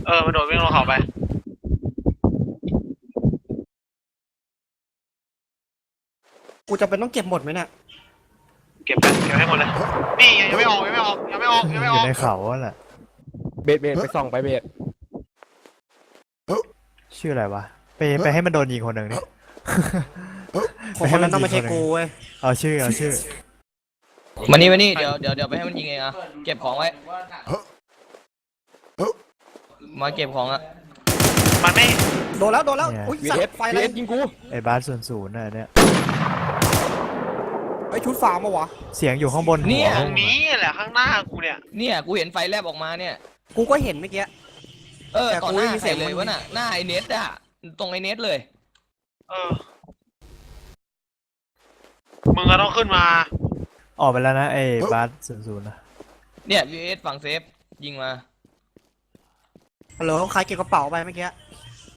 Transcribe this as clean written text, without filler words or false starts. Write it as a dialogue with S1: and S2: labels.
S1: มันโดดวิ่งลงเขาไป
S2: กูจะเป็นต้องเก็บหมดไหมเนี่ย
S1: เก็บให้หมดเลยนี่ยังไม่ออกยังไม่ออก
S3: อยู่ในเขาแหละ
S4: เบสไปส่องไปเบส
S3: ชื่ออะไรวะไปให้มันโดนยิงคนหนึ่งนี่
S2: ของคนนั้นต้องไม่ใช่กูเว้ย
S3: เอาชื่อ
S5: มานี่เดี๋ยวไปให้มันยิงเองอะเก็บของไว้มาเก็บของอะ
S1: มันไม่
S2: โดนแล้วอุ้ย
S4: วี
S2: สัต
S4: เอส
S2: ว์ไฟอะไร
S4: ยิงกู
S3: ไอ้บาส00น่ะเนี่ย
S2: ไอ้ชุดฟาร์มมาวะ
S3: เสียงอยู่ข้างบนหัว
S1: ตรงนี้แหละข้างหน้ากูเนี่ย
S5: กูเห็นไฟแลบออกมาเนี่ย
S2: กูก็เห็นเมื่อกี้ แต่
S5: ต่อ
S2: กู
S5: ห
S2: ไม่
S5: น้า
S2: มีเสี
S5: ใส่
S2: ยง
S5: เลย
S2: มัน
S5: วะน่ะหน้าไอเนสอะตรงไอเนสเลย
S1: มึงก็ต้องขึ้นมา
S3: ออกไปแล้วนะไอ้บาส00นะ
S5: เนี่ย VS ฝั่งเซฟยิงมา
S2: ฮัลโหลใครเก็บกระเป๋าไปเมื่อกี้